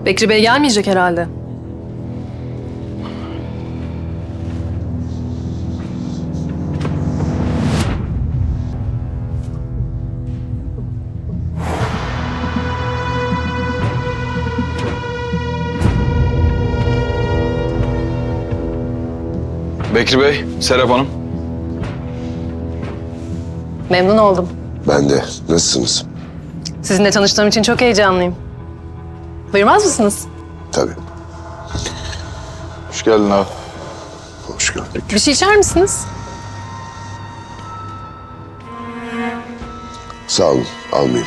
Bekri Bey gelmeyecek herhalde. Bekri Bey, Serap Hanım. Memnun oldum. Ben de. Nasılsınız? Sizinle tanıştığım için çok heyecanlıyım. Buyurmaz mısınız? Tabii. Hoş geldin abi. Hoş gördük. Bir şey içer misiniz? Sağ olun. Almayayım.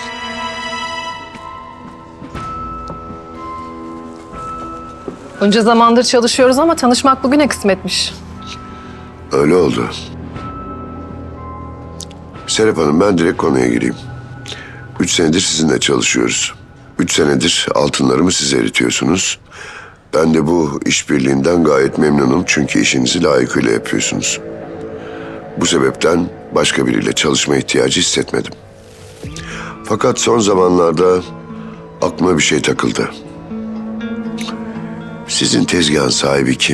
Bunca zamandır çalışıyoruz ama tanışmak bugüne kısmetmiş. Öyle oldu. Serap Hanım, ben direkt konuya gireyim. 3 senedir sizinle çalışıyoruz. 3 senedir altınlarımı siz eritiyorsunuz. Ben de bu işbirliğinden gayet memnunum çünkü işinizi layıkıyla yapıyorsunuz. Bu sebepten başka biriyle çalışma ihtiyacı hissetmedim. Fakat son zamanlarda aklıma bir şey takıldı. Sizin tezgahın sahibi kim?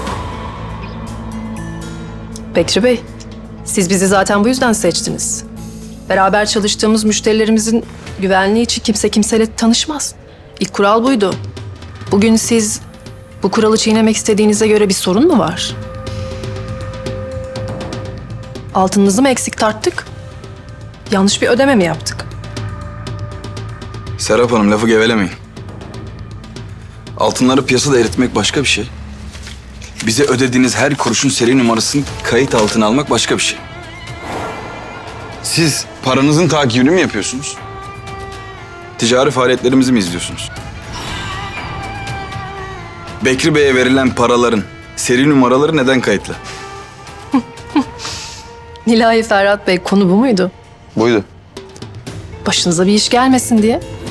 Bekri Bey, siz bizi zaten bu yüzden seçtiniz. Beraber çalıştığımız müşterilerimizin güvenliği için kimse kimseyle tanışmaz. İlk kural buydu. Bugün siz bu kuralı çiğnemek istediğinize göre bir sorun mu var? Altınınızı mı eksik tarttık? Yanlış bir ödeme mi yaptık? Serap Hanım, lafı gevelemeyin. Altınları piyasada eritmek başka bir şey. Bize ödediğiniz her kuruşun seri numarasını kayıt altına almak başka bir şey. Siz paranızın takibini mi yapıyorsunuz? Ticari faaliyetlerimizi mi izliyorsunuz? Bekri Bey'e verilen paraların seri numaraları neden kayıtlı? Nilay Ferhat Bey, konu bu muydu? Buydu. Başınıza bir iş gelmesin diye.